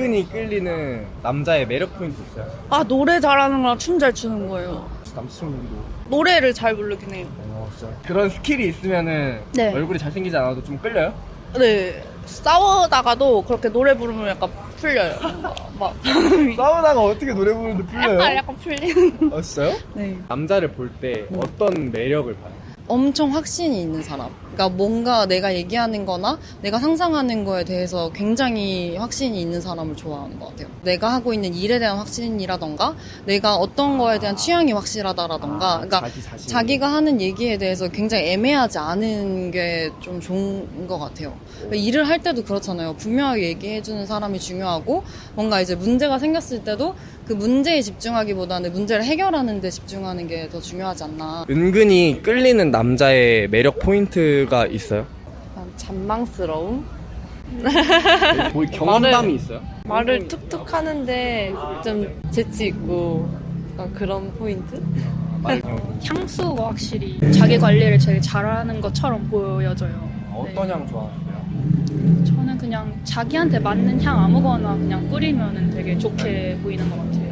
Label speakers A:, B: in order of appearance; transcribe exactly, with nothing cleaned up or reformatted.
A: 은근히 끌리는 남자의 매력 포인트 있어요?
B: 아, 노래 잘하는 거랑 춤 잘 추는 거예요.
A: 남친분도.
B: 노래를 잘 부르긴 해요.
A: 어, 진짜. 그런 스킬이 있으면은
B: 네.
A: 얼굴이 잘생기지 않아도 좀 끌려요?
B: 네. 싸우다가도 그렇게 노래 부르면 약간 풀려요. 막.
A: 싸우다가 어떻게 노래 부르는데 풀려요?
B: 약간, 약간 풀리는.
A: 아, 진짜요?
B: 네.
A: 남자를 볼 때 어떤 매력을 봐요?
C: 엄청 확신이 있는 사람. 그러니까 뭔가 내가 얘기하는 거나 내가 상상하는 거에 대해서 굉장히 확신이 있는 사람을 좋아하는 것 같아요. 내가 하고 있는 일에 대한 확신이라던가 내가 어떤 거에 대한 취향이 확실하다라던가
A: 아,
C: 그러니까
A: 자기 자신.
C: 자기가 하는 얘기에 대해서 굉장히 애매하지 않은 게 좀 좋은 것 같아요. 그러니까 일을 할 때도 그렇잖아요. 분명하게 얘기해주는 사람이 중요하고 뭔가 이제 문제가 생겼을 때도 그 문제에 집중하기보다는 문제를 해결하는 데 집중하는 게 더 중요하지 않나.
A: 은근히 끌리는 남자의 매력 포인트가 있어요?
D: 잔망스러움?
A: 뭐 경험담이 있어요?
D: 말을 툭툭 하는데 좀 재치 있고 약간 그런 포인트?
E: 향수가 확실히 자기 관리를 되게 잘하는 것처럼 보여져요.
A: 어떤 향 좋아하세요?
E: 저는 그냥 자기한테 맞는 향 아무거나 그냥 뿌리면 되게 좋게 보이는 것 같아요.